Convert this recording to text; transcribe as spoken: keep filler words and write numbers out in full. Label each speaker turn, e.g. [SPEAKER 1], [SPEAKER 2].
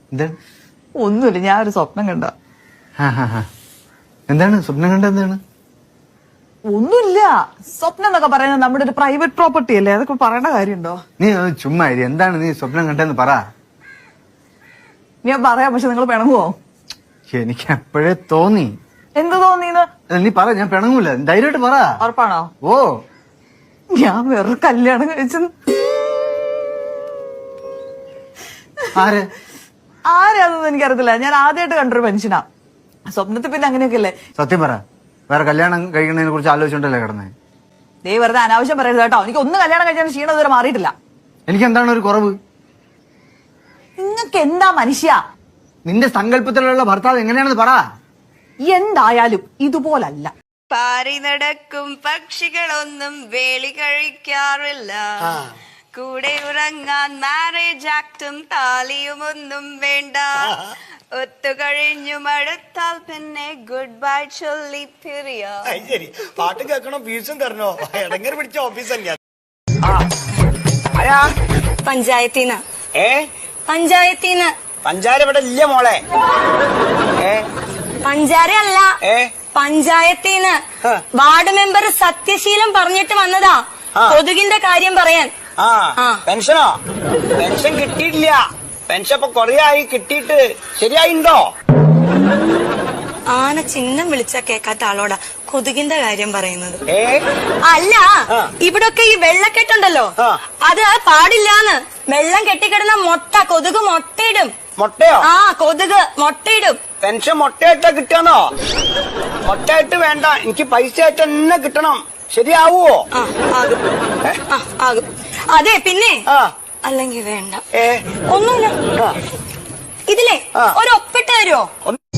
[SPEAKER 1] എന്താണ്?
[SPEAKER 2] ഒന്നുമില്ല, ഞാൻ ഒരു സ്വപ്നം കണ്ട.
[SPEAKER 1] എന്താണ് സ്വപ്നം കണ്ട? എന്താണ്?
[SPEAKER 2] ഒന്നുമില്ല. സ്വപ്നം എന്നൊക്കെ പറയുന്നത് നമ്മുടെ ഒരു പ്രൈവറ്റ് പ്രോപ്പർട്ടി അല്ലേ, അതൊക്കെ പറയേണ്ട കാര്യമുണ്ടോ?
[SPEAKER 1] നീ ചുമ്മാ ഇരി. എന്താണ് നീ സ്വപ്നം കണ്ടെന്ന് പറ.
[SPEAKER 2] ഞാൻ പറയാം, പക്ഷെ നിങ്ങൾ പിണങ്ങുവോ?
[SPEAKER 1] എനിക്ക് എപ്പോഴേ തോന്നി.
[SPEAKER 2] എന്ത് തോന്നിന്ന്?
[SPEAKER 1] നീ പറ, ഞാൻ പിണങ്ങൂല. ധൈര്യമായിട്ട് പറ.
[SPEAKER 2] ഉറപ്പാണോ?
[SPEAKER 1] ഓ,
[SPEAKER 2] ഞാൻ വേറൊരു കല്യാണം കഴിച്ചു.
[SPEAKER 1] ആര്
[SPEAKER 2] ആരാന്നൊന്നും എനിക്കറിയത്തില്ല. ഞാൻ ആദ്യമായിട്ട് കണ്ടൊരു മനുഷ്യനാ. സ്വപ്നത്തിൽ പിന്നെ അങ്ങനെയൊക്കെ അല്ലേ.
[SPEAKER 1] സത്യം പറ, വേറെ കല്യാണം കഴിക്കുന്നതിനെ കുറിച്ച് ആലോചിച്ചോണ്ടല്ലേ കിടന്നേ?
[SPEAKER 2] ദേ വെറുതെ അനാവശ്യം പറയരുത് കേട്ടോ. എനിക്ക് ഒന്ന് കല്യാണം കഴിച്ചാൽ ക്ഷീണം ഇതുവരെ മാറിയിട്ടില്ല.
[SPEAKER 1] എനിക്ക് എന്താണ് ഒരു കുറവ്?
[SPEAKER 2] നിങ്ങൾക്ക് എന്താ മനുഷ്യ?
[SPEAKER 1] നിന്റെ സങ്കല്പത്തിലുള്ള ഭർത്താവ് എങ്ങനെയാണെന്ന് പറ.
[SPEAKER 2] എന്തായാലും ഇതുപോലല്ല.
[SPEAKER 3] പാറി നടക്കും പക്ഷികളൊന്നും വേളി കഴിക്കാറില്ല. കൂടെ ഉറങ്ങാൻ മാരേജ് ആക്ടും താലിയുമൊന്നും വേണ്ട. ഒത്തുകഴിഞ്ഞു മടുത്താൽ പിന്നെ ഗുഡ് ബൈ ചൊല്ലി പിരിയാ.
[SPEAKER 4] ശരി, പാട്ട് കേൾക്കണോ ഫീസും തരണോ? ഇടങ്ങർ പിടിച്ച ഓഫീസല്ല.
[SPEAKER 3] പഞ്ചായത്തിന്ന്.
[SPEAKER 4] ഏ
[SPEAKER 3] പഞ്ചായത്തിന്ന്.
[SPEAKER 4] പഞ്ചാര ഇവിടെ ഇല്ല മോളെ. ഏ
[SPEAKER 3] പഞ്ചാര അല്ല,
[SPEAKER 4] ഏ
[SPEAKER 3] പഞ്ചായത്തിന്ന്. വാർഡ് മെമ്പർ സത്യശീലം പറഞ്ഞിട്ട് വന്നതാ കൊതുകിന്റെ കാര്യം പറയാൻ.
[SPEAKER 4] ആ പെൻഷനോ? പെൻഷൻ കിട്ടിയിട്ടില്ല. പെൻഷൻ ഇപ്പൊ കൊറേ ആയി കിട്ടിയിട്ട്. ശരിയായിണ്ടോ?
[SPEAKER 3] ആന ചിഹ്നം വിളിച്ച കേക്കാത്ത ആളോടാ കൊതുകിന്റെ കാര്യം പറയുന്നത്.
[SPEAKER 4] ഏ
[SPEAKER 3] അല്ല, ഇവിടൊക്കെ ഈ വെള്ളക്കെട്ടുണ്ടല്ലോ, അത് പാടില്ലാന്ന്. വെള്ളം കെട്ടിക്കിടന്ന മുട്ട കൊതുക് മുട്ടയിടും.
[SPEAKER 4] മുട്ടയോ?
[SPEAKER 3] ആ, കൊതുക് മുട്ടയിടും.
[SPEAKER 4] പെൻഷൻ മുട്ടയായിട്ടാ കിട്ടാന്നോ? മുട്ടയായിട്ട് വേണ്ട, എനിക്ക് പൈസ ആയിട്ട് തന്നെ കിട്ടണം. ശരിയാവോ?
[SPEAKER 3] ആ, ആകും. ആ, ആകും. അതെ, പിന്നെ അല്ലെങ്കിൽ വേണ്ട.
[SPEAKER 4] ഏ
[SPEAKER 3] ഒന്നുമില്ല. ഇതിലെ ഒരു ഒപ്പിട്ട് തരുമോ?